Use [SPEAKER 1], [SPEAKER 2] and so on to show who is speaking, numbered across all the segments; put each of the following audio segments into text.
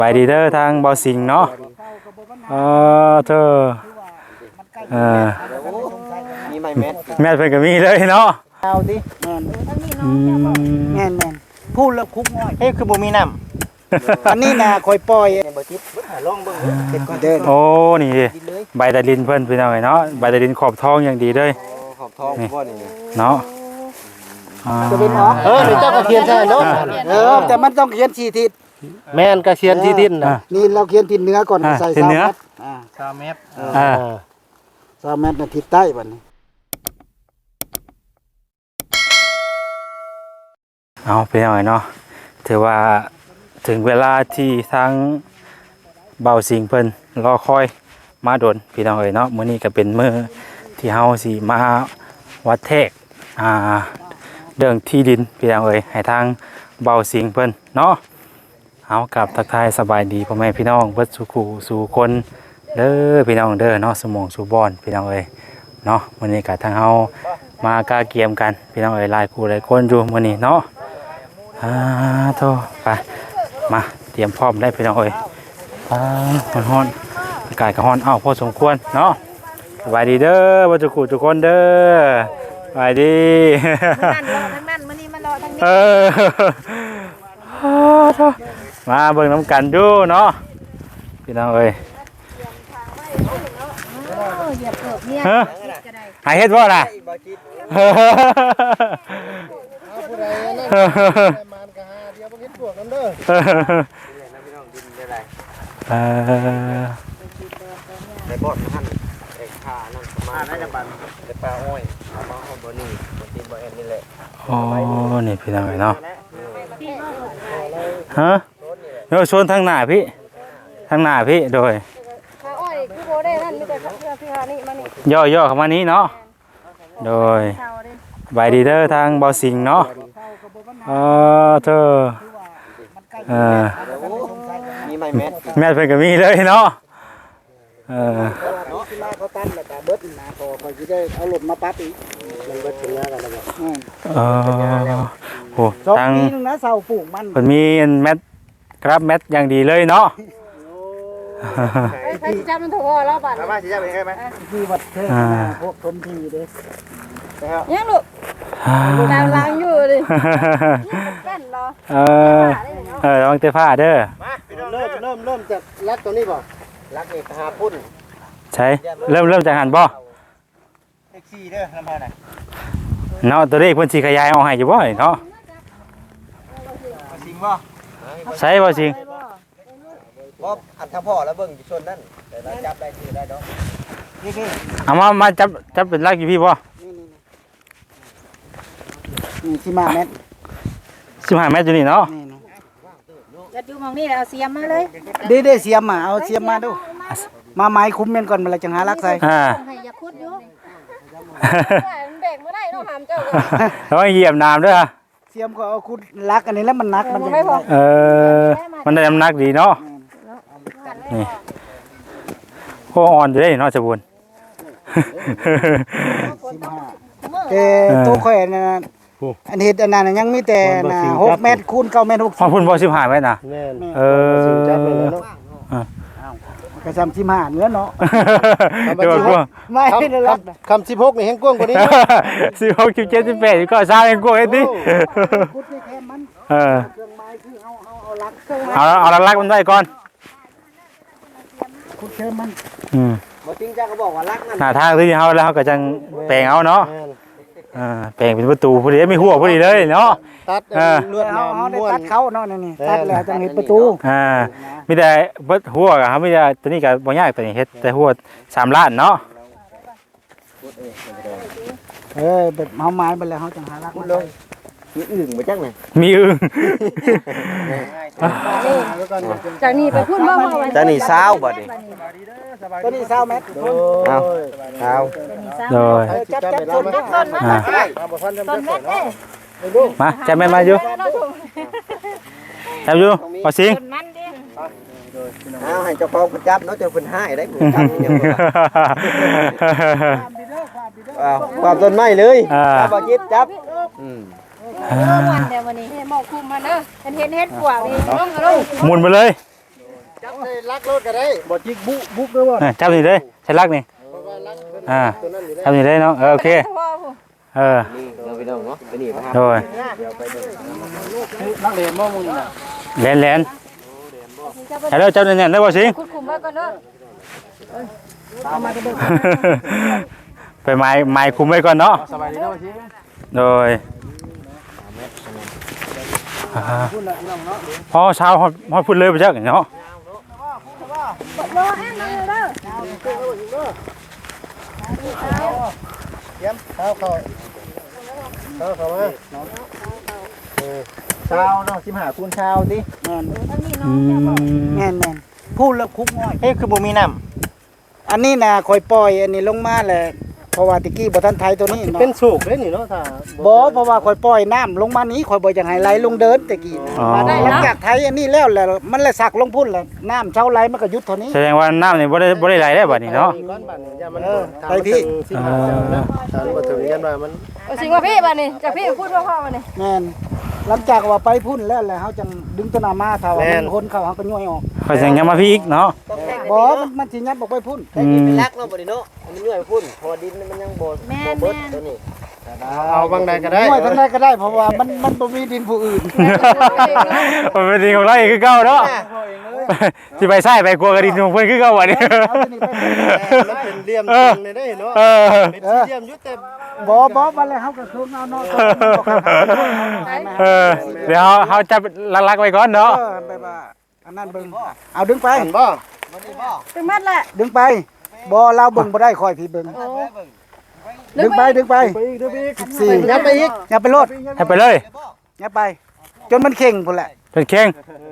[SPEAKER 1] ไปดีเด้อทางเบาสิงเนาะเธอ
[SPEAKER 2] มีไม้แมท
[SPEAKER 1] แม่เพิ่นก็มีเลยเนาะ
[SPEAKER 2] เอาดิ
[SPEAKER 3] แม่นพูดแล้วคุกง่อย
[SPEAKER 2] เฮ้ยคือบ่มีน้ำ
[SPEAKER 3] อันนี้นะคอยปล่อย
[SPEAKER 2] บ่จิตลองเบิ่ง
[SPEAKER 3] เก็บก่อนเด้อ
[SPEAKER 1] โอ้นี่ใบตะลินเพิ่นพี่น้องเนาะใบตะลินขอบทองอย่างดีเลย
[SPEAKER 2] ขอบทองบ่นี่
[SPEAKER 1] เนาะ
[SPEAKER 3] จะเป็นออก
[SPEAKER 2] นี่เจ้าก็เขียนใช่เนาะ
[SPEAKER 3] แต่มันต้องเขียน4ทิศ
[SPEAKER 2] แม่นก็เขียนที่ดินน่ะ
[SPEAKER 3] นี่เราเขียนทิศเหนือก่อนใส่3เมตร
[SPEAKER 2] 3เมตร
[SPEAKER 3] 3เมตรน่ะทิศใต้บัดนี้
[SPEAKER 1] เอาไปหน่อยเนาะถือว่าถึงเวลาที่ทั้งเบาสิงเพิ่นรอคอยมาโดนพี่น้องเอ๋ยเนาะมื้อนี้ก็เป็นมื้อที่เฮาสิมาวัดแทกเรื่องที่ดินพี่น้องเอ๋ยให้ทางเบาสิงเพิ่นเนาะเอากับทักทายสบายดีพ่อแม่พี่น้องเบิดสุขสู่คนเด้อพี่น้องเด้อเนาะสมองสู่บอนพี่น้องเอ๋ยเนาะมื้อนี้ก็ทางเฮามากาเกียมกันพี่น้องเอ๋ยหลายคู่หลายคนอยู่มื้อนี้เนาะโทไปมาเตรียมพร้อมได้พี่น้องเอ้ยมันฮ้อนอากาศก็ฮ้อนพอสมควรเนาะสบายดีเด้อบ่จุกุทุกคนเด้อสบายดี
[SPEAKER 4] ทั้งนั้นมื้อนี้มารอทั้งนี้
[SPEAKER 1] มาเบิ่งน้ำกันดูเนาะพี่น้องเอ้ย
[SPEAKER 4] เหยียบเกิบเนี่ย
[SPEAKER 1] หายเฮ็ดบ่ล่ะ
[SPEAKER 2] ผู้ใดนั่นมันก็หาเดี๋ยวบ่เฮ็ดพวกนำเด้อได้บ่ทันไอ้ขานั่นประมาณได้จังบัดได้ปลาอ้อยเอามาบ่นี่บ่ติบ่แอนนี่แหละ
[SPEAKER 1] นี่พี่น้องเนาะเดี๋ยวชนทางหน้าพี่ทางหน้าพี่โดย
[SPEAKER 4] ขาอ้อยคือบ่ได้นั่นมีแต่พี่หานี่มานี่
[SPEAKER 1] ย่อเข้ามานี้เนาะโดยบายดีเด้อทางเบาสิงเนาะเธอ
[SPEAKER 2] มีไม้แมท
[SPEAKER 1] แม่เพิ่นก็มีเลยเนาะ
[SPEAKER 3] เขาตั้นแล้วก็เบิดนะพอสิได้เอารถมาปั๊บอีก
[SPEAKER 2] มันเบิดถึงแล้วกันแล้ว
[SPEAKER 1] โอ้
[SPEAKER 3] ทางนึงนะเสาปลูกมัน
[SPEAKER 1] เพิ่นมีแมทครับแมทอย่างดีเลยเนาะ
[SPEAKER 4] ไปสิจับมันถูกแล้วบัด
[SPEAKER 2] มาสิจับเป็นไงมั้ย
[SPEAKER 3] ที่วัดเทศพวกทมทีเด้
[SPEAKER 4] ยังลูกดาวล้างอยู่ดิกันเหรอ
[SPEAKER 1] ระวังเตะผ้าเด้อ
[SPEAKER 2] มาเริ่มจากลักตัวนี้บ่ลักนี่หาพุ่น
[SPEAKER 1] ใช่เริ่มจากหันบ่
[SPEAKER 2] เลข4เด้อลำพาน่ะ
[SPEAKER 1] เนาะตัวเลขเพิ่นสิขยายเอาให้อยู่บ่เนาะ
[SPEAKER 2] สิงบ่
[SPEAKER 1] ใช่บ่สิง
[SPEAKER 2] บ่อันทพ่อแล้วเบิ่งอยู่ชนนั่นแต่เราจับได้สิได้ดอก
[SPEAKER 3] นี่
[SPEAKER 1] เอามาจับเป็นลักอยู่พี่บ่
[SPEAKER 3] นี่15 เมตร
[SPEAKER 1] 15 เมตรอยู่นี่เนาะ
[SPEAKER 4] จะอยู่มองนี่เอาเสียมมาเลย
[SPEAKER 3] ได้เสียมมาเอาเสียมมาดูมาไม้คุ้มแม่นก่อนมันละจังหาลักใส่
[SPEAKER 4] อย่าคุดอยู่เบรกบ่ได้เนาะหามเจ้า
[SPEAKER 1] แล้วเหยียบน้ำด้วย
[SPEAKER 3] เสียมก็เอาคุดลักอันนี้แล้วมันหนักมัน
[SPEAKER 1] มันได้น้ำหนักดีเนาะนี่โคอ่อนอยู่ได้เนาะจะบุญ
[SPEAKER 3] แต่ตัวข่อยนั่นอันเฮ็ดอันนั้นยังมีแต่6 เมตรคูณ9 เมตร60
[SPEAKER 1] พุ่นบ่15 เมตรน่ะ
[SPEAKER 2] จับไปแล้วเนาะ
[SPEAKER 3] ก็35เนื้อเนาะ
[SPEAKER 1] เดี๋ยวก่อน
[SPEAKER 3] ไม่ได้รับ
[SPEAKER 2] คำ16นี่แฮงกว้างกว่านี้
[SPEAKER 1] 16 17 18ก็ซาแฮงกว้างเฮ็ดดิ
[SPEAKER 3] คุดนี่แค่มันเครื่องไม้คือเอาลัก
[SPEAKER 1] เอาลักมันไว้ก่อน
[SPEAKER 3] คุดแค่มัน
[SPEAKER 2] บ่จริงจังก็บอกว่าลักมัน
[SPEAKER 1] หน้าทางที่เฮาแล้วเฮาก็จังแปลงเอาเนาะแปลงเป็นประตูพอดีไม่หัวพอดีเลยเนาะ
[SPEAKER 2] ตัด
[SPEAKER 3] เลือดเอาได้ตัดเขาเนาะนี่ตัดแล้วจังเฮ็ดประตู
[SPEAKER 1] มีแต่เบิดหัวก็มีแต่ตัวนี้ก็บ่ยากตัวนี้เฮ็ดแต่หัว3 ล้านเนาะ
[SPEAKER 3] แบบเฮาไม้ไปแล้วเฮาจังหาลัก
[SPEAKER 2] เลยมีอึ่งบ่จังไง
[SPEAKER 1] มีอึ่ง
[SPEAKER 4] จากนี้ไปพุ่นบ่
[SPEAKER 2] จากนี้20บ่ดิ
[SPEAKER 3] ตัวนี้20 เมตร
[SPEAKER 2] เอา
[SPEAKER 1] โดย
[SPEAKER 3] จับ
[SPEAKER 4] ต้นมาต้นเม็ด
[SPEAKER 1] มาจับแม่มาอยู่จับอยู่พอสิง
[SPEAKER 2] เอาให้เจ้าของจับเนาะเจ้าเพิ่นให้ได้ความต้นไม้เลยบ่จิตจับ
[SPEAKER 4] วันเดี๋ยววันนี้ให้หมอกคุมมาเด้อเห็นเฮ็ดปวกนี่ลง
[SPEAKER 1] หมุนไปเลย
[SPEAKER 2] ได้ลักรถก็ได้
[SPEAKER 3] บ่จิกบุกเด้อบ่
[SPEAKER 1] จับนี่เลยใช้ลักนี่จับนี่เลยเนาะโอเคเออ
[SPEAKER 2] นี่เราไปดูเนาะไปนี่ครับ
[SPEAKER 1] โดย
[SPEAKER 3] นักเรียนบ่มึงน่ะ
[SPEAKER 1] แลนให้เราจับเนี่ยได้บ่สิง
[SPEAKER 4] คุมไว้ก่อนเด้อ
[SPEAKER 1] ไปไม้คุมไว้ก่อนเนาะ
[SPEAKER 3] สบายดีเนาะสิ
[SPEAKER 1] โดยพอเช้าฮอดพุ่นเลยไปจักเนาะ
[SPEAKER 4] รอให้มันเด้อ
[SPEAKER 2] เยี่ยมเข้ามาเช้าเนาะ15คูณเช้าดิ
[SPEAKER 3] แม่น
[SPEAKER 1] อืม
[SPEAKER 3] แม่นพูดแล้วคุกน้อย
[SPEAKER 2] เฮ้ยคือบ่มีน้
[SPEAKER 3] อันนี้น่ะคอยปล่อยอันนี้ลงมาแหละเพราะว่าตะกี้บ่ทันไทยตัวนี้
[SPEAKER 2] ำ
[SPEAKER 3] เนาะ
[SPEAKER 2] เป็นสุกเลยนี่เนาะถ้า
[SPEAKER 3] บ่เพราะว่าคอยปล่อยน้ำลงมานี้คอยบ่อยากให้ไหลลงเดินตะกี้
[SPEAKER 1] อ๋อ
[SPEAKER 3] หลังจากไทยอันนี้แล้วมันเลยสักลงพุ่นแล้วน้ำเช้าไหลมันก็หยุดเท่านี้
[SPEAKER 1] แสดงว่าน้ำนี่บ่ได้ไหลได้บัดนี้เนาะ
[SPEAKER 2] ก้อนบัดนี้อย่ามัน
[SPEAKER 3] ไปพี่
[SPEAKER 2] 15เจ้านะถ้าบ่ถึงยันว่ามัน
[SPEAKER 4] เอาสิว่าพี่บัดนี้จากพี่พูดว่าพ่อบัดนี้
[SPEAKER 3] แม่นหลังจากว่าไปพุ่นแล้วแหละเฮาจังดึงตัวหน้ามาถ้าว่ามันคนเข้าเฮาก็ย่อยออก
[SPEAKER 1] ค่อยสิยังมาพี่อีกเนาะ
[SPEAKER 3] บ่มันสิยัดออกไปพุ่น
[SPEAKER 1] อืม
[SPEAKER 2] ลักเนาะบ่ได้เนาะมันย่อยพุ่นพอดินมันยังบ่เบิดตัวนี้เอาบางใดก็ได้
[SPEAKER 3] ย่อยทั้งใดก็ได้เพราะว่ามันบ่มีดินผู้อื่น
[SPEAKER 1] มันเป็นดีของเราอีกคือเก่าเนาะสิไปใส่ไปกลัวกระดินของเพิ่นคือเก่าบัดนี้
[SPEAKER 3] เอาตัวนี้ไปพุ่น
[SPEAKER 2] มันเป็นเหลี่ยมตรงนี่ได้เนาะ
[SPEAKER 1] เออ
[SPEAKER 2] เป็นสี่เหลี่ยมอยู่แต่
[SPEAKER 3] บ่บัดแล้วเฮาก็คืนเอาเนาะตัวมันบ่เข้าหา
[SPEAKER 1] เออเดี๋ยวเขาจับลักๆไว้ก่อนเนาะ
[SPEAKER 3] แบบว่าอันนั้นเบิ่งเอาดึงไป
[SPEAKER 2] อันบ่
[SPEAKER 4] ถึงมัดแหละ
[SPEAKER 3] ดึงไปบ่เราเบิ่งบ่ได้คอยพี่เบิ่งดึงไปสี่
[SPEAKER 2] ยับไปอีก
[SPEAKER 3] อย่าไปโลด
[SPEAKER 1] ให้ไปเลย
[SPEAKER 3] อย่าไป จนมันเข่งพุ่นแหละ
[SPEAKER 1] เป็นเข่ง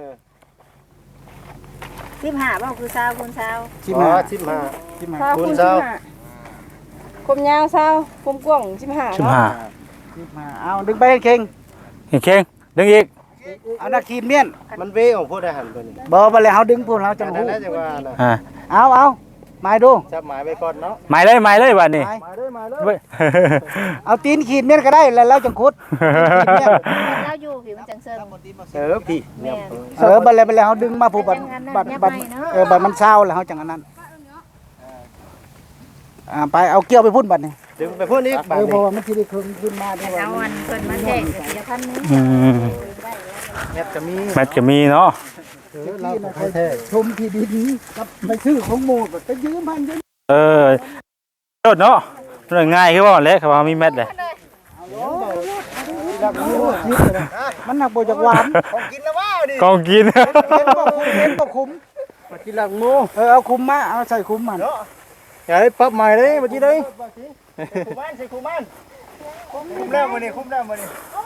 [SPEAKER 4] 15บ่คือ20คูณ20
[SPEAKER 3] ชิ
[SPEAKER 2] อ๋
[SPEAKER 3] มา
[SPEAKER 2] อ15
[SPEAKER 4] 20คูณ
[SPEAKER 2] เช้า
[SPEAKER 4] 15คมยาว20คมกว้าง15
[SPEAKER 1] 15
[SPEAKER 4] เนาะ
[SPEAKER 3] ชิมาเอาดึงไปให้เข่ง
[SPEAKER 1] เข่งดึงอีก
[SPEAKER 3] เอานักขีดเมียน
[SPEAKER 2] มันเวของพวกทหารตัวนี้
[SPEAKER 3] บ่บ่แล้วเฮาดึงพุ่นเฮาจัง
[SPEAKER 2] นั่
[SPEAKER 3] ฮู้
[SPEAKER 2] นแหละจังว่าน่ะ
[SPEAKER 1] อ่า
[SPEAKER 3] เอาหมายดู
[SPEAKER 2] จับหมายไว้ก่อนเนาะ
[SPEAKER 1] หมายเลยบัดนี้
[SPEAKER 3] หมายเอาตีนขีดเมียนก็ได้แล้วเราจังคุด
[SPEAKER 4] เราอยู่ผิวมันจังเซิง
[SPEAKER 2] พี่
[SPEAKER 4] แม่น
[SPEAKER 3] บ่แล้วเฮาดึงมาผู้บัดบัดมันเศร้าแล้วเฮาจังอันนั้นไปเอาเกี่ยวไปพุ่นบัดนี่
[SPEAKER 2] ดึงไปพวกนี้
[SPEAKER 3] เพราะว่ามันสิได้ขึ้นมาได้ว่า
[SPEAKER 4] เอาอันเพิ่นมาแจกเสียพันนึง
[SPEAKER 1] อืม
[SPEAKER 2] แม่จะมี
[SPEAKER 1] แมทก็มีเนาะ
[SPEAKER 3] เราชมที่ดินกับไปซื้อของหมู่ไปยืมพันยืม
[SPEAKER 1] เออโดดเนาะเรื่องง่ายคือว่าแหละครับว่ามีแมทเลย
[SPEAKER 3] มันหนักบ่จากหวาน
[SPEAKER 2] ของกินแล้วว้าวดิ
[SPEAKER 1] กองกิน
[SPEAKER 3] เห็นบ่คุ้ม
[SPEAKER 2] มากินหลังโม
[SPEAKER 3] เอาคุ้มมาเอาใส่คุ้มมัน
[SPEAKER 2] อย่าได้ปรับใหม่เลยเมื่อกี้เลยคุมมันใส่คุมมันคุมแล้วมื้อนี้คุมแล้วมื้อนี้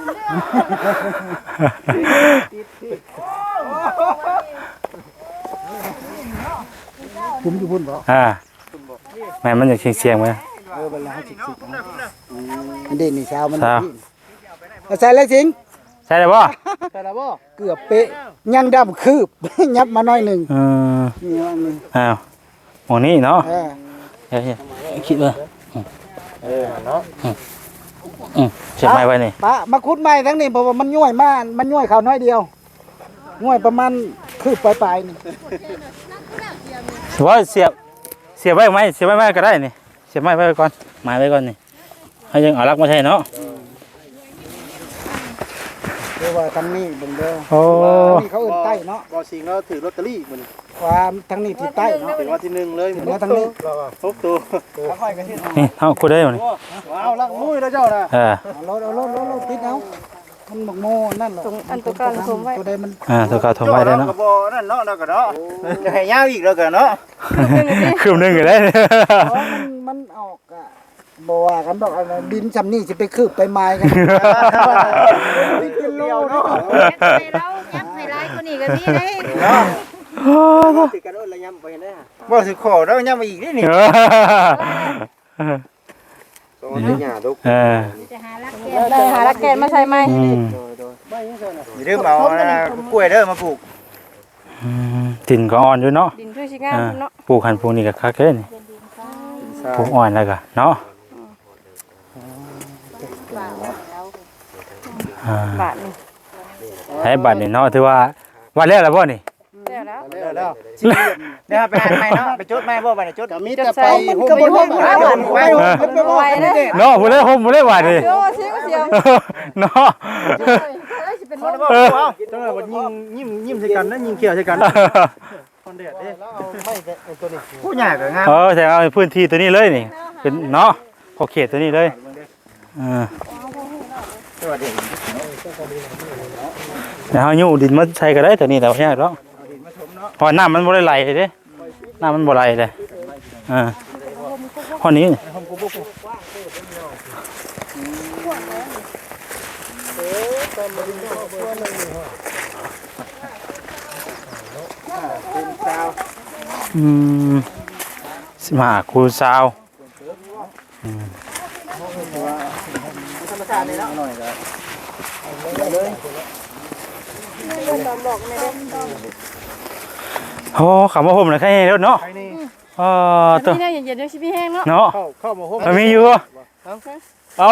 [SPEAKER 3] คุ้มอยู่พุ่นบ่
[SPEAKER 1] แม่มันอยากเสียงๆไหม
[SPEAKER 3] บัดแล้วสิอันนี้นี่เช้ามันเอาใส่เลยสิง
[SPEAKER 1] ใช่เลยป่ะ
[SPEAKER 2] ใส่แล้วบ่
[SPEAKER 3] เกือบเป๊ะยังดำคืบ ยับมาหน่อยหนึง นี่อันนี้
[SPEAKER 1] อ้าวหมองนี้เนาะคิดว่า
[SPEAKER 2] เนาะ
[SPEAKER 1] เสียบไม้ไว้นี่
[SPEAKER 3] ปะมาคุดใหม่ทั้งนี้เพราะว่ามันย่วยมากมันย่วยเขาน้อยเดียวย่วยประมาณคืบปลายๆนี่
[SPEAKER 1] ถือว่าเสียบไว้ไหมเสียบไว้ก็ได้นี่เสียบไม้ไว้ก่อนไม้ไว้ก่อนนี่ให้ยังเอาลักมาใช่เนาะ
[SPEAKER 3] เรียกว่าทางนี้เบิ่งเด้อ
[SPEAKER 1] โอ้
[SPEAKER 3] นี่เขาเอิ้นใต้เนาะ
[SPEAKER 2] บ่สิงแล้วถือลอตเตอรี่มื้อนี้
[SPEAKER 3] ความทางนี้ที่ใต้เนาะ
[SPEAKER 2] เป็นวันที่1เลย
[SPEAKER 3] แล้วทางนี้
[SPEAKER 2] 6ตัว
[SPEAKER 1] นี่เอาคุดได้หมด
[SPEAKER 2] ว้าวลักมุ้ยแล้วเจ้าน่ะ
[SPEAKER 3] เอารถติดเอามันหมกโมนั่นหรอ
[SPEAKER 4] ตรงอันตัวการผมไว้
[SPEAKER 3] ตัวใดมัน
[SPEAKER 1] ตัวเก่าทำไว้ได้เนาะ
[SPEAKER 2] ก็บ่นั่นเนาะแล้วก็เนาะจะให้ยาวอีกแล้วก็เนาะ
[SPEAKER 1] คืบหนึงก็ได้
[SPEAKER 3] มันออกอะบ่ว่ากันดอกอันนั้นดินซำนี้สิไปคืบไปไม้กันกิโลเนาะ
[SPEAKER 4] ให้เรายับให้หลายกว่านี้ก็มีได้
[SPEAKER 2] ติดกันแล้วยำไปเห็นได้บ่สิขอแล้วยำมาอีกนี่นี่ต้องให้หญ้าดุก
[SPEAKER 4] จะหาลักแกนได้หาลักแกนมาใส่ไหม
[SPEAKER 2] อย่าลืมเอากล้วยเด้อมาปลูก
[SPEAKER 1] ติ่นก็อ่อนอยู่เนาะ
[SPEAKER 4] ดินช่วยชิงามเนาะ
[SPEAKER 1] ปลูกหันปลูกนี่ก็คักเด้นี่ปลูกอ่อนแล้วก็เนาะ
[SPEAKER 4] บาทนี่
[SPEAKER 1] ให้บัตรนี่เนาะถือว่าวันแรกแล้วบ่นี่
[SPEAKER 4] แล้วแล้ว
[SPEAKER 2] แล้วเนี่ยไปหาใหม่เนาะไปจุดใหม่บ่บัดนี้จุด
[SPEAKER 3] ก็มีแต่ไปหุ้มไปหุ้มไป
[SPEAKER 1] เนาะบ่ได้ห่มบ่ได้หวานดิ
[SPEAKER 4] เดี๋ยวเสียงเสียง
[SPEAKER 1] เนาะ
[SPEAKER 4] สิเป็น
[SPEAKER 2] จังหวะว่ายิ้มใส่กันนะยิงเขียวใส่กันคนเด็ดเด้ตัวนี้ผู้ใหญ่ก็งาม
[SPEAKER 1] แต่เอาพื้นที่ตัวนี้เลยนี่เป็นเนาะขอบเขตตัวนี้เลยแล้วเฮาอยู่ดินมาใส่ก็ได้ตัวนี้แต่ว่าเนี่ยเนาะพอน้ำมันบ่ได้ไหลเด้น้ำมันบ่ไหลเลยพอนี้15 คูณ 20 โอ้คำว่าผมนะแค่นี้แล้วเนาะตัว
[SPEAKER 4] นี่เย็นๆเดี๋ยวสิพี่แห้งเนาะ
[SPEAKER 1] เนาะ
[SPEAKER 2] เข้ามาห่ม
[SPEAKER 1] มันมีอยู่เอา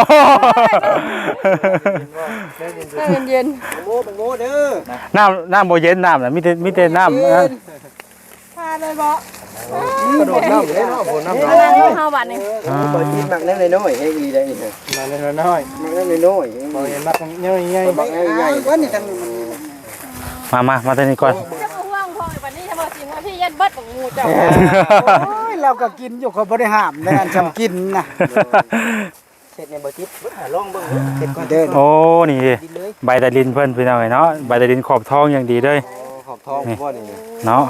[SPEAKER 4] เย็น
[SPEAKER 3] โง่เด้อ
[SPEAKER 1] น้ำโบเย็นน้ำนะมีแต่น้ำ
[SPEAKER 4] พาเลยบ่
[SPEAKER 2] กระโดดน้ำเลยเนาะบ่น้ำ
[SPEAKER 4] นั่งเฮาบัดนี่
[SPEAKER 2] บ่กินมักเล็กน้อยเฮ้ยได้นี่มาเล็กน้อยมักเล็กน้อยบ่เห็นมักใหญ่ๆมักใหญ่ๆ
[SPEAKER 3] ว่านี่ทาง
[SPEAKER 1] มาตัวนี้ก่อน
[SPEAKER 4] จะมาห่วงพ่อบัดนี้ถ้าบ่สิว่าพี่ยัดเบิดของหมู่เจ้า
[SPEAKER 3] โอ้ยเราก็กินอยู่เขาบ่ได้ห้ามในการทำกินนะ
[SPEAKER 2] เสร็จในบ่จิตเบิ่งหาลองเบิ่งเสร็จก่อน
[SPEAKER 3] เดิน
[SPEAKER 1] โอ้นี่ใบตะลินเพิ่นพี่น้องเนาะใบตะลินขอบทองอย่างดีเลย
[SPEAKER 2] ขอบท้องบ่นี่
[SPEAKER 1] เนาะ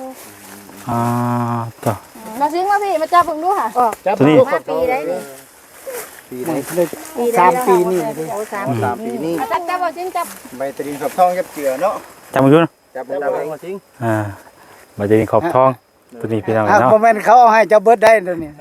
[SPEAKER 1] ตัว
[SPEAKER 4] มาซิงมาพี่มาจับเบิ่งดูค่ะ
[SPEAKER 1] ตัวนี้
[SPEAKER 4] ปีได้นี่
[SPEAKER 2] ปีไหน
[SPEAKER 3] 3 ปีนี่
[SPEAKER 4] โอ้
[SPEAKER 2] 3
[SPEAKER 4] 3
[SPEAKER 2] ปีนี้
[SPEAKER 4] จับบ่ซิงจับ
[SPEAKER 2] ใบตะลินขอบท้องจับเจือเนาะ
[SPEAKER 1] จำมาอยู่นะ
[SPEAKER 2] จับบ่ได้จริง
[SPEAKER 1] ใบตะลินขอบทองตัวนี้พี่น้อง
[SPEAKER 3] ครับ
[SPEAKER 1] เนาะ
[SPEAKER 3] บ่แม่นเขาเอาให้เจ้าเบิดได้ตัวนี้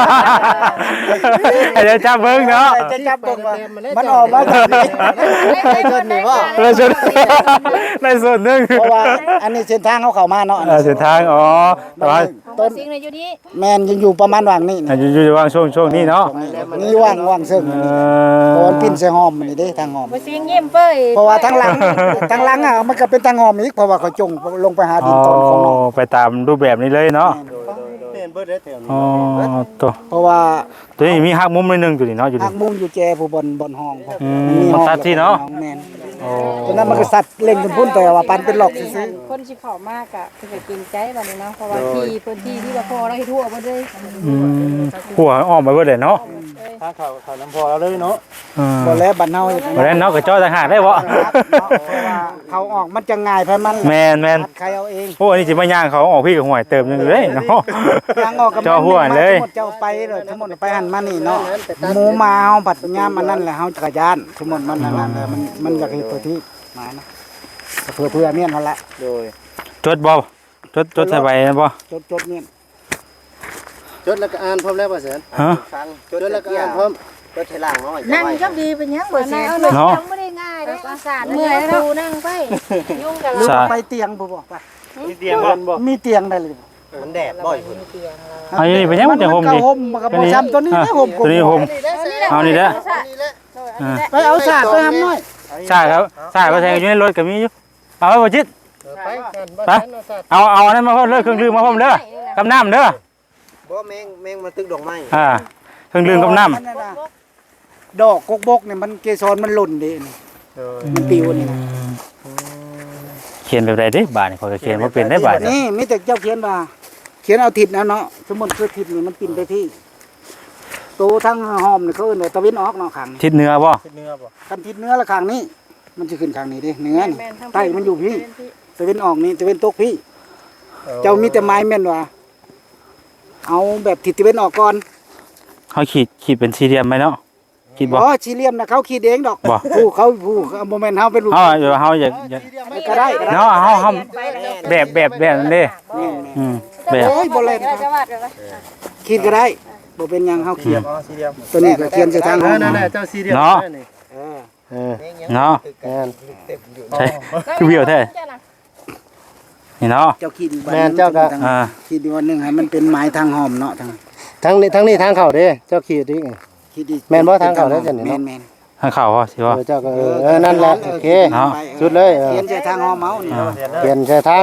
[SPEAKER 1] เดี๋ยวจับเบิ่งเนาะ
[SPEAKER 3] จะจับบ่ว่ามันออกมาแบบนี้ได้ต้นนี่ว่า
[SPEAKER 1] ในส่วนหนึง
[SPEAKER 3] เพราะว่าอันนี้เส้นทางเขาเข้ามาเนาะ
[SPEAKER 1] เส้นทางแต่ว่า
[SPEAKER 4] ต้นซิงในอยู่นี่
[SPEAKER 3] แม่นยังอยู่ประมาณว่างนี่
[SPEAKER 1] อยู่ว่างช่วงนี้เนาะ
[SPEAKER 3] นี่ว่างซึ่งเพราะมันปิ้นใส่หอมนี่เด้ทางหอม
[SPEAKER 4] มาซิงยิ้มเป้ย
[SPEAKER 3] เพราะว่าทางหลังมันก็เป็นทางหอมอีกเพราะว่าเขาจงลงไปหาดินตอนของน้อง
[SPEAKER 1] ไปตามรูปแบบนี้เลยเนาะ
[SPEAKER 2] เห็นเบิดได้แถวนี้
[SPEAKER 1] ตัว
[SPEAKER 3] เพราะว่า
[SPEAKER 1] ตัวนี้มีหักมุมนิดนึงตัวนี้เนาะอยู่
[SPEAKER 3] หั
[SPEAKER 1] นี่
[SPEAKER 3] กมุมอยู่แจผู้บนห้อง
[SPEAKER 1] มันตัดที่เนาะ
[SPEAKER 3] แม่นตอนนั้นมันก็สัตว์เล่นกันพุ่นแต่ว่าปันเป็นหลอกซื่อ
[SPEAKER 4] คนสิเข้ามากอ่ะเพิ่นก็เกรงใจบัดนี้เนาะเพราะว่าที่พื้นที่ที่ว่าพ่อเราเฮ็ดทั่วบ่ได้
[SPEAKER 1] หัวออกมาเบิดเลยเนาะ
[SPEAKER 2] ถ้าเขาน้ำพอแล้วเลยเนาะ
[SPEAKER 3] ๆบ่แล้วบัดเฮาเฮ็ด
[SPEAKER 1] บ่ได้เนาะก็จ้อต่างหากได้บ่
[SPEAKER 3] เพราะว่าเขาออกมันจะง่ายไปมัน
[SPEAKER 1] แมน
[SPEAKER 3] ใครเอาเอง
[SPEAKER 1] โอ้อันนี้สิมาย่างเขาออกพี่กับห่วยเติมนึงเลยเนาะ
[SPEAKER 3] ทางออกกับ
[SPEAKER 1] จ่อหัวเลย
[SPEAKER 3] ทั้งหมดเจ้าไปเลยทั้งหมดไปหันมานี่เนาะหมูมาเฮาบัดยามอันนั้นแหละเฮาจักรยานทั้งหมดมันนั่นแหละมันอยากเฮ็ดตัวที่มานะเพื่อเมียนนั่นละ
[SPEAKER 2] โดย
[SPEAKER 1] จดบ่จดใส่ใบบ่
[SPEAKER 3] จดเมียน
[SPEAKER 2] จดแล้วก็อ่านพร้อมแล้วป่ะเสือน
[SPEAKER 1] ฮะ
[SPEAKER 2] ฟังจดแล้วก็อ่านพร้อมจดให้ล่างน้อย
[SPEAKER 5] นั่งก็ดีเป็นยังบ่เสีย
[SPEAKER 1] เนาะ
[SPEAKER 5] ยังไม่ได้ง่ายเด้อสาร
[SPEAKER 4] เมื่อยแล้ว
[SPEAKER 5] นั่งไป
[SPEAKER 4] ยุ่งกัน
[SPEAKER 3] ลูก
[SPEAKER 1] ใช่
[SPEAKER 3] ไปเตียงบ่บอกว่า
[SPEAKER 2] มีเตียงบ่
[SPEAKER 3] มีเตียงได้เลย
[SPEAKER 2] มันแดดบ่อยพุ่น
[SPEAKER 1] อันนี้เป็นยังมันจะห่ม
[SPEAKER 3] ก็
[SPEAKER 1] ดิ
[SPEAKER 3] ห่มมันก็บ่ซ้ำตัวนี้นะห่ม
[SPEAKER 1] ตัวนี้ห่มเอานี่เด้อ
[SPEAKER 3] ไปเอาสาดไปทำหน่อย
[SPEAKER 1] ใช่ครับใช่ก็ใส่อยู่ในรถก็มีอยู่เอาไว้บ่จิต
[SPEAKER 2] ไปกัน
[SPEAKER 1] ไปเอาอันนั้นมาพร้อมเด้อเครื่องดื่มมาพร้อมเด้อกับน้ำเด้อ
[SPEAKER 2] บ่แมงมาตึกดอกไม้
[SPEAKER 1] เครื่องดื่มกับน้ำ
[SPEAKER 3] ดอกกกบกเนี่ยมันเกสรมันหล่นดิมันปิวนี่นะ
[SPEAKER 1] เขียนแบบใดเด้บาดนี่ขอยก็เขียนบ่เป็นได้บาดนี่
[SPEAKER 3] นี่มีแต่เจ้าเขียนว่าเขียนเอาทิศนะเนาะสมมุติคือทิศนี่มันปินไปที่ตัวทั้งหอมนี่เขาเอิ้นว่าตะวินออกเนาะข้างนี้
[SPEAKER 1] ทิศเหนือบ่
[SPEAKER 2] เนื้อบ่
[SPEAKER 3] คันทิศเหนือละข้างนี้ มันจะขึ้นข้างนี้ดิเหนือนี่ใต้มันอยู่พี่ตะวินออกนี่ตะวินตกพี่ เจ้ามีแต่ไม้แม่นว่าเอาแบบทิศตะวินออกก่อน
[SPEAKER 1] เฮาขีดเป็นสี่เหลี่ยมไหมเนาะคิดบ่
[SPEAKER 3] อ๋อสี่เหลี่ยมนะเขาขีดเองดอก
[SPEAKER 1] บ่
[SPEAKER 3] ผู้โมเมนต์เฮาเป็นลูก
[SPEAKER 1] เฮาอยาก
[SPEAKER 3] ก็ได้
[SPEAKER 1] เนาะเฮาแบบนั่นเด้แบบ
[SPEAKER 3] โอ้ยบ่เล่น
[SPEAKER 4] จะวาดกันไหม
[SPEAKER 3] ขีดก็ได้บ่เป็นหยังเฮาเขียน
[SPEAKER 2] อ๋อสี่เหลี่ยม
[SPEAKER 3] ตัวนี้ก็เขียนใส่ทางห้อง
[SPEAKER 2] นั่นๆเจ้าสี่เหลี่ยม
[SPEAKER 1] เนาะ
[SPEAKER 3] เออ
[SPEAKER 1] เนาะใช่คือเบี้ยวแท้นี่เนาะ
[SPEAKER 3] เจ้าขีดอีก
[SPEAKER 2] แม่นเจ้าก็
[SPEAKER 3] ขีดอีกวันหนึงให้มันเป็นไม้ทางหอมเนาะทาง
[SPEAKER 2] ทั้งนี้ทางเข้าเด้เจ้าขีดดิ
[SPEAKER 3] ขีดอีก
[SPEAKER 2] แม่นบ่ทางเข้าแล้วจ้ะนี่เนาะ
[SPEAKER 3] แม่น
[SPEAKER 1] ทางเข้าบ่สิบ่
[SPEAKER 2] เจ้าก็นั่นแหละโอเค
[SPEAKER 1] เนาะ
[SPEAKER 2] สุดเลย
[SPEAKER 3] เขียนใส่ทางหอมเมานี่
[SPEAKER 2] เปลี่ยนใช่ทาง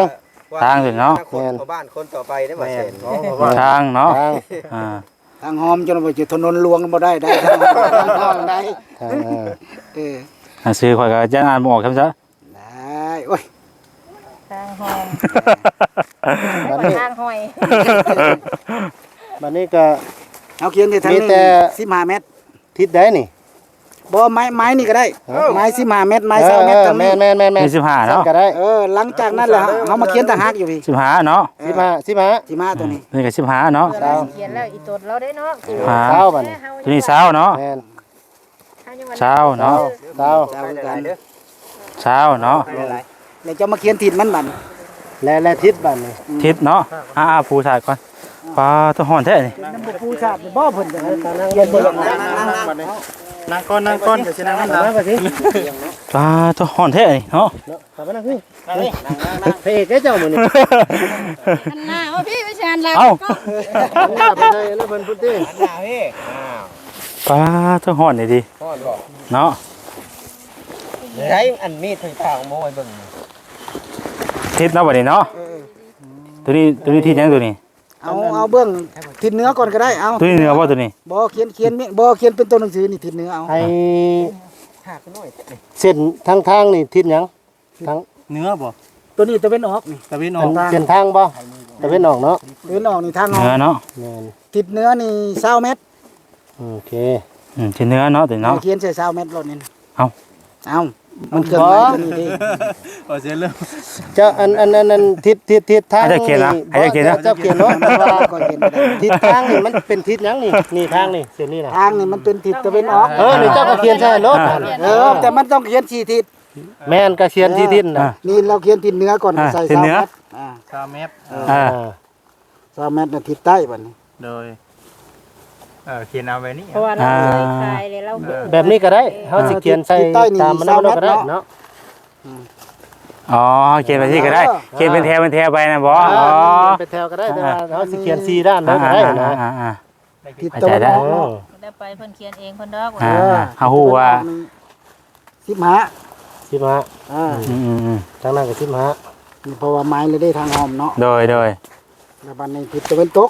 [SPEAKER 1] ทางสิเนาะ
[SPEAKER 2] คนชาวบ้านคนต่อไปได้บ่แสน
[SPEAKER 1] ทางเนาะ
[SPEAKER 6] ทาง
[SPEAKER 1] อ่า
[SPEAKER 3] ทางหอมจนว่าจะถนนหลวงบ่ได้ได้ทางทางได้
[SPEAKER 6] ทาง
[SPEAKER 3] เออ
[SPEAKER 1] หนังสือข่อยก็จะอ่านบ่ออกครับซะ
[SPEAKER 3] ได้โอ้ย
[SPEAKER 4] ทางหอม
[SPEAKER 6] บัดนี้
[SPEAKER 4] ทางหอย
[SPEAKER 6] บัดนี้ก็
[SPEAKER 3] เอาเขียนที่ทาง
[SPEAKER 6] มี
[SPEAKER 3] นี้
[SPEAKER 6] แต่
[SPEAKER 3] 15เมตร
[SPEAKER 6] ทิศใดนี่
[SPEAKER 3] บ่ไม้นี่ก็ได้ไม้15เมตรไม้20เมตรทาง
[SPEAKER 6] แม่
[SPEAKER 3] นี้
[SPEAKER 6] น
[SPEAKER 1] มี15เนาะ
[SPEAKER 6] ก็ได้
[SPEAKER 3] หลังจากนั้นแหละเฮามาเขียนตะหักอยู่พี่
[SPEAKER 1] 15เนาะ
[SPEAKER 6] 15
[SPEAKER 3] 15ตัวนี้
[SPEAKER 1] นี่ก็15เนาะ
[SPEAKER 4] เขียนแล้วอีตดเราได้เนาะ
[SPEAKER 6] เช้าบัดนี้
[SPEAKER 1] ตัวนี้20เนาะ
[SPEAKER 6] แม่น
[SPEAKER 1] 20เนาะ
[SPEAKER 6] เช้า
[SPEAKER 3] เจ้าคือกัน
[SPEAKER 1] 20เนาะ
[SPEAKER 3] แล้วจะมาเขียนทิศมันบัด
[SPEAKER 6] และทิศบัดนี้
[SPEAKER 1] ทิศเนาะปูถ่ายก่อนปลาตัวห่อนแท้นี่
[SPEAKER 3] น้ำบ่ปูชาติบ่เพิ่นเขียนบ่นั่ง
[SPEAKER 6] นั่งก่อนเดี๋ยวสินั่งนำมาสิ
[SPEAKER 1] ปลาตัวห่อนแท้นี่เนาะ
[SPEAKER 6] กลับมานั่งพี่พระเอกเจ้ามื้อนี้
[SPEAKER 4] อันหน้าว่าพี่ไปแชนแล้ว
[SPEAKER 1] เอ้า
[SPEAKER 6] ไปใส่แล้วเพิ่นพุ่นติ
[SPEAKER 1] ปลาตัวห่อนนี่ดิเนาะ
[SPEAKER 2] ใช้อันมีดถึงทางโม้ไว้เบิ่ง
[SPEAKER 1] ทิศเนาะบัดนี้เนาะตัวนี้ทิศยังตัวนี้
[SPEAKER 3] เอาเบื้องทิศเหนือก่อนก็ได้เอา
[SPEAKER 1] ตัวนี้เหนือบ่ตัวนี้
[SPEAKER 3] บ่เขียนบ่เขียนเป็นตัวหนังสือนี่ทิศเหนือเอา
[SPEAKER 6] ไอ้
[SPEAKER 2] หักน้อย
[SPEAKER 6] เส้นทางนี่ทิศหยังทาง
[SPEAKER 2] เนื้อบ่
[SPEAKER 3] ตัวนี้ตะเวนออกนี่
[SPEAKER 2] ตะวินอ
[SPEAKER 6] อั
[SPEAKER 2] อก
[SPEAKER 6] นเส้นทางบ่ตะเวนออกเนาะ
[SPEAKER 3] ตะเวนออกนี่ทางอ
[SPEAKER 1] เห
[SPEAKER 3] อ
[SPEAKER 1] นือก เนาะ
[SPEAKER 6] แม่น
[SPEAKER 3] ทิศเหนือนี่20เมตร
[SPEAKER 6] โอเค
[SPEAKER 1] ทิศเหนือเนาะตัวนี้เนาะ
[SPEAKER 3] เขียนใส่20เมตรรถนี่
[SPEAKER 1] เอา
[SPEAKER 3] มันเคลื่อนไหวตัวนี้ดิ
[SPEAKER 2] เอาเสียเรื่อง
[SPEAKER 6] เจ้าอันทิศทาง
[SPEAKER 1] ให้เจ้าเขียนนะให้เจ้าเขียนนะ
[SPEAKER 6] เจ้าเขียนเนาะ
[SPEAKER 3] ก็เขียนบ่ได้
[SPEAKER 6] ทิศทางนี่มันเป็นทิศหยังนี่ทางนี่เส้นนี้น่ะ
[SPEAKER 3] ทางนี่มันเป็นทิศตะเวนออก
[SPEAKER 6] นี่เจ้าก็เขียนใช่รถ
[SPEAKER 3] แต่มันต้องเขียน4ทิศ
[SPEAKER 6] แม่นก็เขียนที่ทิศน่ะ
[SPEAKER 3] นี่เราเขียนทิศเหนือก่อนใส่20เมตร
[SPEAKER 2] 3เมตร
[SPEAKER 3] 20เมตรน่ะทิศใต้บัดนี้
[SPEAKER 2] โดยเขียนเอาไว้นี่
[SPEAKER 4] เพราะว่าเราเคยขายเลยเรา
[SPEAKER 6] แบบนี้ก็ได้เฮาสิเขียนใส่ตามมันก็ได้เนาะ
[SPEAKER 1] อ๋อเขียนไปที่ก็ได้เขียนเป็นแถวไปนะบ่อ๋อ
[SPEAKER 6] เป็นแถวก็ได้แต่ว่าเฮาสิเขียน4ด้านแล้วก็ได้นะ
[SPEAKER 3] ทิศตะวันออก
[SPEAKER 4] ได้ไปเพิ่นเขียนเองเพิ่นดอก
[SPEAKER 1] เฮาฮู้ว่า
[SPEAKER 3] 15
[SPEAKER 6] 15ทางนั้นก็15
[SPEAKER 3] นี่เพราะว่าไม้เลยได้ทางหอมเนาะ
[SPEAKER 1] โดย
[SPEAKER 3] แล้วบัดนี้ทิศตะวันตก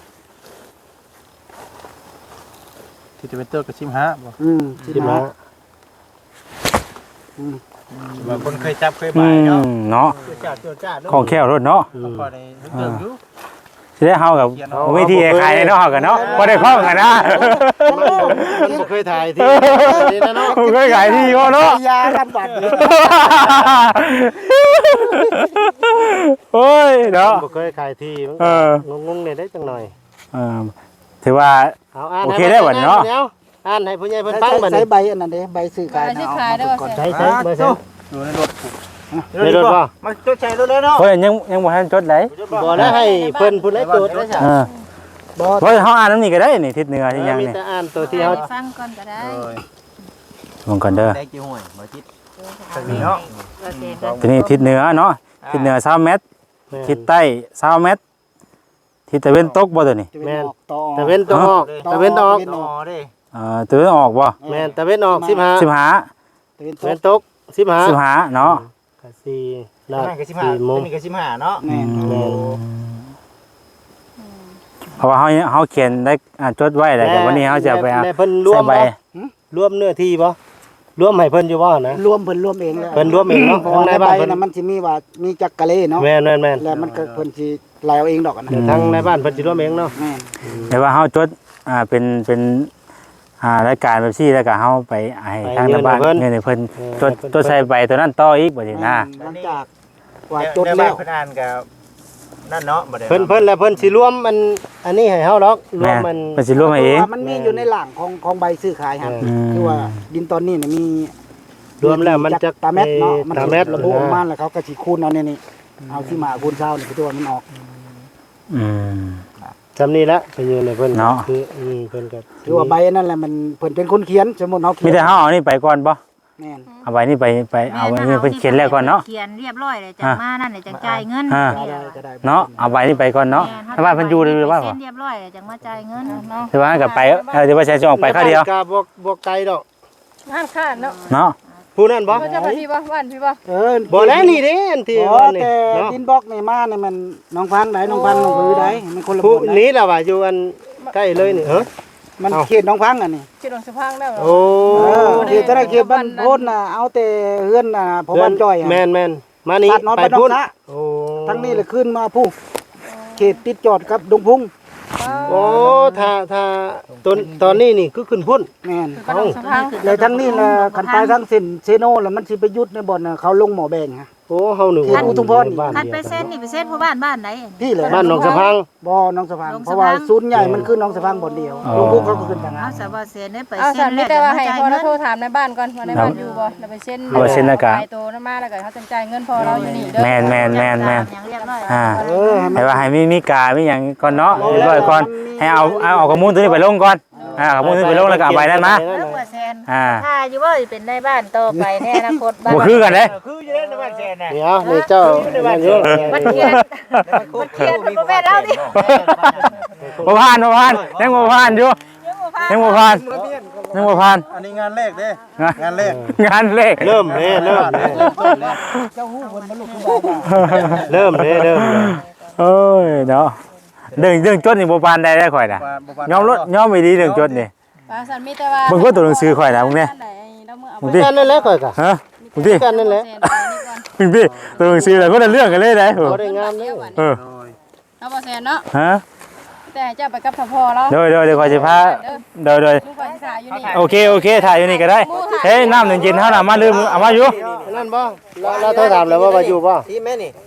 [SPEAKER 2] ที่จะเป็นตัวกับ15บ่
[SPEAKER 6] 15
[SPEAKER 2] ว่าคนเคยจับเคย
[SPEAKER 1] อื
[SPEAKER 2] บายเนาะ
[SPEAKER 1] เนาะ
[SPEAKER 2] จ้า
[SPEAKER 1] ของแค่รถเนาะ
[SPEAKER 2] พอได้เรื่องอยู่
[SPEAKER 1] สิได้เฮากับวิธีขายเนาะเฮากันเนาะบ่ได้คล้องกันนะ
[SPEAKER 6] มันบ่เคยถ่ายที่นี่นะเนาะ
[SPEAKER 1] บ่เคยขายที่บ่เนาะ
[SPEAKER 3] ยากันบัดนี้
[SPEAKER 1] โอ้ยเนาะ
[SPEAKER 6] บ่เคยถ่ายที่มันงงๆได้จังหน่อย
[SPEAKER 1] ถือว่า
[SPEAKER 6] เอาอ่าน
[SPEAKER 1] โอเคได้บัดเนาะ
[SPEAKER 6] อ่านให้ผู้ใหญ่เพิ่นฟังบัด
[SPEAKER 3] ใช้
[SPEAKER 6] นี้
[SPEAKER 3] ใบอันนั้นเด้ใบซื้อขายนะ
[SPEAKER 4] ขายได้ว่า
[SPEAKER 6] ใช้บ่ใช้
[SPEAKER 2] อยู่ในรถ
[SPEAKER 6] ในรถบ่
[SPEAKER 2] มาจดใช้รถเลยเนาะ
[SPEAKER 1] เฮ้ยยังบ่ทันจดได้
[SPEAKER 6] บ่แล้วให้เพิ่นผู้ใดตรวจได้จ้ะ
[SPEAKER 3] บ่
[SPEAKER 1] เฮ้ยเฮาอ่านนำนี่ก็ได้นี่ทิศเหนือที่ยัง
[SPEAKER 6] มี
[SPEAKER 1] นี่
[SPEAKER 6] แต่อ่านตัวที่เฮา
[SPEAKER 4] ฟังก่อนก็ได้
[SPEAKER 1] ลงก่อนเด้อ
[SPEAKER 2] ได้กี่ห่วยบ่จิตทางนี้เนาะ
[SPEAKER 4] โอเคก็
[SPEAKER 1] ทีนี้ทิศเหนือเนาะทิศเหนือ20เมตรทิศใต้20เมตรทิศตะเวนตกบ่ตัวนี้
[SPEAKER 6] แม่นตะเว้นตะออกตะเว้นออก
[SPEAKER 2] ต่อเด้
[SPEAKER 1] ตะเวนออกบ่
[SPEAKER 6] แม่นตะเว้นออก15
[SPEAKER 1] 15
[SPEAKER 6] ตะเว้นตก15
[SPEAKER 1] 15เนาะ
[SPEAKER 6] ก็4
[SPEAKER 2] นั่นก็15
[SPEAKER 6] โมง
[SPEAKER 2] นี่ก็15เนาะ
[SPEAKER 3] แม่น
[SPEAKER 6] แม่น
[SPEAKER 1] เพราะว่าเฮาเขียนได้จดไว้แล้วแต่วันนี้เฮาจะไป
[SPEAKER 6] แม่เพิ่นรว
[SPEAKER 1] ใส่
[SPEAKER 6] ม
[SPEAKER 1] ใบ
[SPEAKER 6] บ่รวมเนื้อที่บ่รวมให้เพิ่นอยู่บ่นะ
[SPEAKER 3] รวมเพิ่นรวมเองแล้ว
[SPEAKER 6] เพิ่นรวมเองเนาะ
[SPEAKER 3] เพราะ
[SPEAKER 6] ทาง
[SPEAKER 3] ว่า
[SPEAKER 6] ใน
[SPEAKER 3] ในใบ
[SPEAKER 6] บ้านเพิ่น
[SPEAKER 3] น่ะมันสิมีว่ามีจักกะเลเนาะ
[SPEAKER 6] แม่นแม่น
[SPEAKER 3] แล้วมันก็เพิ่นสิลายเอาเองดอกอะนะ
[SPEAKER 6] ทางในบ้านเพิ่นสิรวมเองเนาะ
[SPEAKER 3] แม่น
[SPEAKER 1] แต่ว่าเฮาจดเป็นรายการแบบซี่แล้วก็เฮาไปให้ทางบ้านเนี่ยเพิ่นจดใส่ใบตัวนั้นต่ออีกบ่สินะ
[SPEAKER 3] หลังจากว่าจด
[SPEAKER 2] ได้
[SPEAKER 3] แล้ว
[SPEAKER 2] เพิ่นอ่านกับนั่นเนาะบ่ได้
[SPEAKER 6] เพิ่นแล้วเพิ่นสิรวมอันนี้ให้เฮาดอกรว
[SPEAKER 1] แม่
[SPEAKER 6] มมัน
[SPEAKER 1] เพิ่นสิรวมให้เอง
[SPEAKER 3] พราะว่ามันมีอยู่ในหลังของใบซื้อขายครับ คือว่าดินตอนนี้เนี่ยมี
[SPEAKER 6] รวมแล้วมันจะ
[SPEAKER 3] ตาเม็ดเนาะมัน
[SPEAKER 6] ตาเม็ด
[SPEAKER 3] ระบุออกมาแล้วเขาก็สิคูณเอาเนี่ยนี่เอาที่มาคูณเช้านี่คือตัวมันออก
[SPEAKER 1] อืม
[SPEAKER 6] จำนี่ละไปอยู่ในเพิ่น
[SPEAKER 1] เนาะ
[SPEAKER 6] คือเพิ่นก็
[SPEAKER 3] คือว่าใบนั่นแหละมันเพิ่นเป็นคนเขียนสมมุติเฮาเขี
[SPEAKER 1] มี
[SPEAKER 3] ยน
[SPEAKER 1] แต่เฮาเอานี่ไปก่อนบ่
[SPEAKER 3] แม่น
[SPEAKER 1] เอาใบนี้ไปเอาไว้นี่เพิ่นเขียนแล้วก่อนเนาะ
[SPEAKER 4] เขียนเรียบร้อยเลยจังมานั่นเลยจังจ่ายเงิน
[SPEAKER 3] ได้ก็ได้
[SPEAKER 1] เนาะเอาใบนี้ไปก่อนเนาะถ้าว่าเพิ่นอยู่หรือว่า
[SPEAKER 4] เซ็
[SPEAKER 1] บ่
[SPEAKER 4] นเรียบร้อยเลยจังมาจ่ายเงินเนาะ
[SPEAKER 1] ถือว่าก็ไปเดี๋ยวว่าใช้ช่วงไปคราวเดียว
[SPEAKER 6] ก็บ่ไกลดอก
[SPEAKER 4] งานขาดเนาะ
[SPEAKER 1] เนาะ
[SPEAKER 6] ผู้นั้นบ่
[SPEAKER 4] เขาจะไปพี่บ่บ้านพี่บ่
[SPEAKER 6] บ่แล้วนี่เด้อันที่
[SPEAKER 3] อ๋อ
[SPEAKER 6] ว่านี่
[SPEAKER 3] แต่
[SPEAKER 6] เนาะ
[SPEAKER 3] ดินบล็อกนี่มานี่มันน้องพังไหนน้องพังน้องผือได้มันคนละ
[SPEAKER 6] ผู้
[SPEAKER 3] บ่อน
[SPEAKER 6] นี้ล่ะว่าอยู่อันใกล้เลยนี่
[SPEAKER 3] มันเขตน้องพังอันนี้
[SPEAKER 4] คิดลงสะพังแล้ว
[SPEAKER 6] โอ้
[SPEAKER 3] เขตเขตบ้านโพนน่ะเอาแต่เฮือนน่ะพอบ้านจ้อย
[SPEAKER 6] แม่นมานี่
[SPEAKER 3] ตัดน้อย
[SPEAKER 6] ไป
[SPEAKER 3] ไปน้อ
[SPEAKER 6] พุ่
[SPEAKER 3] ง
[SPEAKER 6] น
[SPEAKER 3] ซะ
[SPEAKER 6] โอ้
[SPEAKER 3] ทั้งนี้เลยขึ้นมาผู้เขตติดจอดกับดงพุง
[SPEAKER 6] โอ้ถ้าตอนนี้นี่คือขึ้นพุ่น
[SPEAKER 3] แม่น
[SPEAKER 4] ก็ลงสะพัง
[SPEAKER 3] เลยทั้งนี้น่ะคันไปทั้งเส้นเซโนแล้วมันสิไปยุดในบ่อนน่ะเขาลงหมอแบงฮะ
[SPEAKER 6] โอ้เฮาหนึ่ง
[SPEAKER 3] เขตอุทุมพร
[SPEAKER 6] บ้าน
[SPEAKER 5] คัน
[SPEAKER 6] เดียว
[SPEAKER 5] ไป
[SPEAKER 6] กัน
[SPEAKER 5] เส้นนี่ไปเส้นผู้บ้านไหน
[SPEAKER 3] พี่เลย
[SPEAKER 6] บ้านหนองสะพัง
[SPEAKER 3] บ่น้องสะพัง
[SPEAKER 5] น้องสะพัง
[SPEAKER 3] เพราะว่าศูนย์ใหญ่มันคือน้องสะพังบ่อนเดียวดงพุงเขาก็ขึ้นทางนั้
[SPEAKER 5] เอา
[SPEAKER 3] น
[SPEAKER 5] สะบ่เส้นได้ไป
[SPEAKER 4] เอา
[SPEAKER 5] เส้
[SPEAKER 4] สั่
[SPEAKER 5] น
[SPEAKER 4] นมีแต่ว่าให้พอเราโทรถามในบ้านก่อนว่าในบ้านอยู่บ่แล้วไปเซ็นไปโตนำมาแล้วก็เขาจังจ่ายเงินพอเราอยู่นี่เด้อ
[SPEAKER 1] แม่น
[SPEAKER 5] อย่างเรียบร้อย
[SPEAKER 1] อ่า
[SPEAKER 3] ให้มัน
[SPEAKER 1] ให้ว่าให้มีกามีหยังก่อนเนาะเรียบร้อยก่อนให้เอาข้อมูลตัวนี้ไปลงก่อนข้อมูลตัวนี้ไปลงแล้วก็เอาใบนั้นมา
[SPEAKER 5] เริ่มว่าเส้น
[SPEAKER 1] อ่า
[SPEAKER 5] ถ้าอยู่ว่าเป็นในบ้านต่อไปในอนาคตบ้าน
[SPEAKER 1] บ่คือกันเด้
[SPEAKER 6] นี่เอานี่เจ้านั่นอยู่
[SPEAKER 5] มันเขียนบ่แม่นเราดิ
[SPEAKER 1] บ่ผ่านยังบ่ผ่านอยู่ยังบ่ผ่าน
[SPEAKER 6] อันนี้งานแรกเด้งานแรก
[SPEAKER 1] งานเลข
[SPEAKER 6] เริ่มเด้เริ่มเด้
[SPEAKER 3] เจ้าฮู้เพิ่นบ่ลูกคือบ่าว
[SPEAKER 6] เริ่มเด้เริ่ม
[SPEAKER 1] โอ้ยเนาะเรื่องจดนี่บ่ปานใดได้ข่อยน่ะยอมไม่ดีเรื่องจดนี่
[SPEAKER 4] ว่าสั่นมีแต่ว่า
[SPEAKER 1] มึงก็ตัวหนังสือข่อยนะมึงเนี่ย มึงดิ
[SPEAKER 6] กันนั่นแหละก่อยกะ
[SPEAKER 1] ฮะมึงดิ
[SPEAKER 6] กันนั่นแหละ
[SPEAKER 1] มึงดิตัวหนังสือแล้วก็ได้เรื่องกันเลยได้โห
[SPEAKER 6] บ่ได้งามเด้
[SPEAKER 1] เออ
[SPEAKER 4] เราบ่แซนเนาะ
[SPEAKER 1] ฮะ
[SPEAKER 4] แต่เจ้าไปกับพ่อเรา
[SPEAKER 1] เดี๋ยวข่อยสิพาเดี๋ยว
[SPEAKER 4] ลูกไปศึกษาอยู่นี่
[SPEAKER 1] โอเคถ่ายอยู่นี่ก็ได้เฮ้ยน้ำเย็นๆเฮาน่ะมาลืมเอามาอยู่
[SPEAKER 6] นั่นบ่เราโทรถามแล้วว่าอยู่บ่
[SPEAKER 2] ที่แม่นี่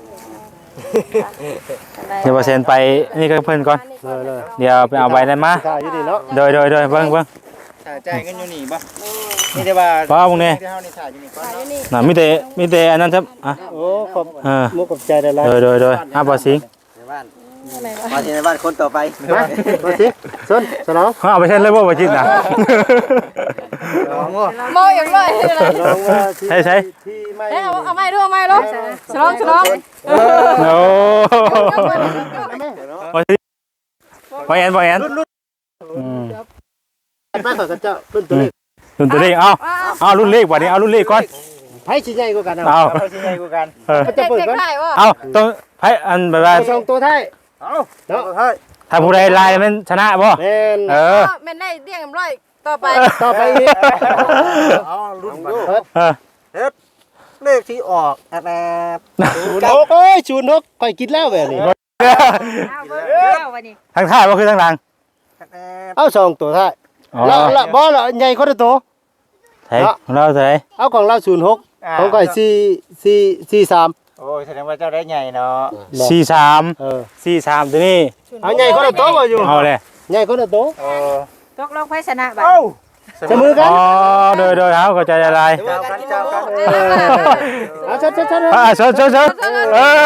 [SPEAKER 1] เดี๋ยวบ่เซ็นไปนี่ก็เพิ่นก่อน
[SPEAKER 6] เลย
[SPEAKER 1] เดี๋ยวไปเอาใบนั้นมา
[SPEAKER 6] ถ่ายอยู่นี่เนาะ
[SPEAKER 1] เดี๋ยวเบิ่ง
[SPEAKER 2] ถ่ายใจกันอยู่นี่บ่นี่แต่ว่า
[SPEAKER 1] ป้ามึงเนี่ย
[SPEAKER 2] ที่เฮานี่ถ่ายอยู่นี่ก่อน
[SPEAKER 1] น่ะมีแต่อันนั้นครับอ่ะ
[SPEAKER 6] โอ้ขอบ
[SPEAKER 1] เออ
[SPEAKER 6] มุกขอบใจได้หลาย
[SPEAKER 1] เดี๋ยวบ่สิง
[SPEAKER 2] ในบ้านมาที่ในบ้านคนต่อไป
[SPEAKER 6] มาบ่สิสนสนอง
[SPEAKER 1] เอาไปเซ็นเลยบ่จิตน่ะ
[SPEAKER 4] มองอย่างไร
[SPEAKER 6] น้องว่าที่
[SPEAKER 1] ใช่
[SPEAKER 6] ที่ไม่
[SPEAKER 4] เอาไม้ดูเอาไม้ลูกฉลอง
[SPEAKER 1] โอ้บ่แอนอืม
[SPEAKER 6] ไปขอกับเจ้ารุ่นตัวเล็ก
[SPEAKER 1] รุ่นตัวเลขเอารุ่นเลขบัดนี้เอารุ่นเลขก่อน
[SPEAKER 6] ไผสิใหญ่กว่ากัน
[SPEAKER 1] เอา
[SPEAKER 2] เราสิใหญ่กว่ากัน
[SPEAKER 6] จะเปิดก่อน
[SPEAKER 4] ได้ว่า
[SPEAKER 1] เอาต้องไผอันแบบว่า
[SPEAKER 6] สองตัวท้าย
[SPEAKER 2] เอา
[SPEAKER 6] เนาะ
[SPEAKER 2] เฮ้ย
[SPEAKER 1] ถ้าผู้ใดลายมันชนะบ่
[SPEAKER 6] แม่น
[SPEAKER 1] เออ
[SPEAKER 4] แม่นได้เดี่ยงร้อยต่อไป
[SPEAKER 6] ต่อไปอีก
[SPEAKER 2] เอารุ่นบัด
[SPEAKER 1] เออ
[SPEAKER 2] เลขที่ออกแอบ
[SPEAKER 6] 06เอ้ย06ข่อยกินแล้วแบบนี้
[SPEAKER 5] วันนี้
[SPEAKER 1] ทางท้ายบ่คือทางหลัง
[SPEAKER 6] เอาสองตัวท้าย
[SPEAKER 1] อ๋อ
[SPEAKER 6] ละบ่ละใหญ่คนละตัว
[SPEAKER 1] เฮ้ยของเราเท่าไหร่
[SPEAKER 6] เอาของเรา06ของข่อย43
[SPEAKER 2] โอ้ยแสดงว่าเจ้าได้ใหญ่เนาะ
[SPEAKER 1] 43
[SPEAKER 6] เออ
[SPEAKER 1] 43ตัวนี้
[SPEAKER 6] เอาใหญ่คนละตัวบ่อยู่
[SPEAKER 1] เอาเลย
[SPEAKER 6] ใหญ่คนละตัว
[SPEAKER 5] ตกลงไผชนะบัด
[SPEAKER 2] เอ้า
[SPEAKER 6] เสมอกัน
[SPEAKER 1] อ๋อโดยเอาเข้าใจอะไร
[SPEAKER 2] เจ้ากันเจ้ากัน
[SPEAKER 6] เอาชัด
[SPEAKER 1] ชดเออ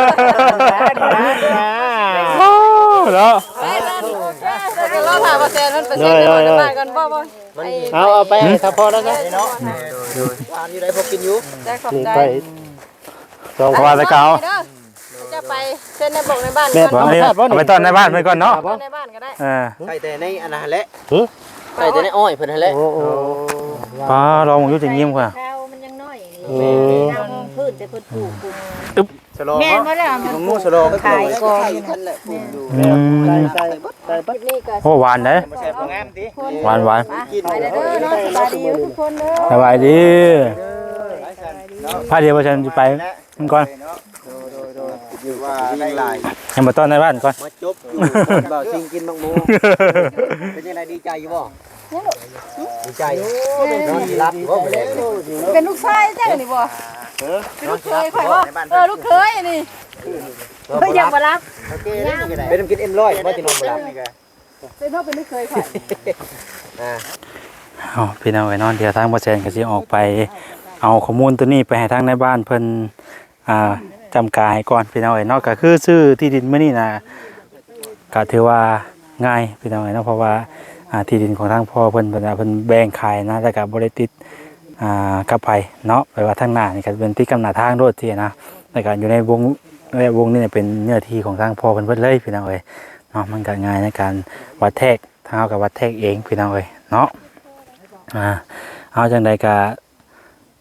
[SPEAKER 1] โอ้เนาะ
[SPEAKER 4] เราถามว่าแซนมันไปเซ็นในบ้านกันบ่
[SPEAKER 6] เอาไปให้ถ้าพอแล้วนะ
[SPEAKER 2] เนาะร้านอยู่ไหนพกกินอยู่
[SPEAKER 4] ได้ขอบ
[SPEAKER 6] นี่
[SPEAKER 4] ใจ
[SPEAKER 6] ไปสอง
[SPEAKER 1] เพราะว่าแต่เก่า
[SPEAKER 4] จะไปเซ็นในบอกในบ้าน
[SPEAKER 1] เอาไปต้อนในบ้านไปก่อนเนาะ
[SPEAKER 4] ในบ้านก็ได้
[SPEAKER 2] ใส่แต่ในอันนั้นแหละใส่แต่ในอ้อยเพิ่นนั่นแหละ
[SPEAKER 6] โอ้โห
[SPEAKER 1] ป้าลองอยู่จะยิ้มกว่า
[SPEAKER 5] ข้าวมันยังน้อยนี่ข้าวพื้นแต่เพิ่นปลูกปลูก
[SPEAKER 2] สโล
[SPEAKER 5] แม่นบ่ล่ะมัน
[SPEAKER 2] งูสโล
[SPEAKER 5] ขายกอง
[SPEAKER 2] นั่นแหละปลูกอยู่
[SPEAKER 6] ใส่ปั๊บ
[SPEAKER 4] นี่ก็
[SPEAKER 1] โอ้หวานเด้
[SPEAKER 2] บ่แซ่บบ่งามติ
[SPEAKER 1] หวาน
[SPEAKER 2] กิน
[SPEAKER 4] ไปเด้อเนาะสบายดีทุกคนเด้อ
[SPEAKER 1] สบายดีพาเดียวฉันจะไปมันก่อน
[SPEAKER 2] อยู่ว่าได้หลาย
[SPEAKER 1] ยังมาต้อนในบ้านก่อน
[SPEAKER 2] มาจบอยู่บ่าวซิงกินบักหมูเป็นยังไงดีใจอยู่บ่ดีใจดีรับบ่ไปแล้ว
[SPEAKER 4] เป็นลูกชายจังนี่บ่เป็นลูกเคยข่อยบ่ลูกเคยนี่
[SPEAKER 5] เพิ่นยังบ่รับ
[SPEAKER 2] เป็นน้ำกินเอ็มร้อยบ่จะนอนบ่หลับนี่ก็
[SPEAKER 4] เป็นเฮาเป็นลูกเคยข่อย
[SPEAKER 1] พี่น้องไอ้นอนเดี๋ยวทางบ่แซนก็สิออกไปเอาข้อมูลตัวนี้ไปให้ทางในบ้านเพิ่นจำกาให้ก่อนพี่น้องไอ้นอกก็คือซื้อที่ดินมื้อนี้นะก็ถือว่าง่ายพี่น้องไอ้นอกเพราะว่าที่ดินของทางพ่อเพิ่นแบ่งขายนะแต่ก็บ่ได้ติดกับไผเนาะไปว่าทางหน้านี่ก็เป็นติดกับหน้าทางโดดที่นะแต่ก็อยู่ในวงนี้เป็นเนื้อที่ของทางพ่อเพิ่นเบิดเลยพี่น้องเอ้ยเนาะมันก็ง่ายในการวัดแทกทางเฮาก็วัดแทกเองพี่น้องเอ้ยเนาะเอาจังใดก็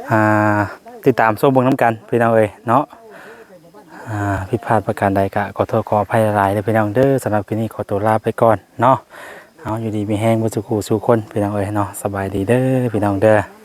[SPEAKER 1] ติดตามชมเบิ่งน้ำกันพี่น้องเอ้ยเนาะผิดพลาดประการใดก็ขอโทษขออภัยหลายๆเลยพี่น้องเด้อสำหรับคลิปนี้ขอตัวลาไปก่อนเนาะเอาอยู่ดีมีแห้งบ่สุขสู่คนพี่น้องเอ้ยเนาะสบายดีเด้อพี่น้องเด้อ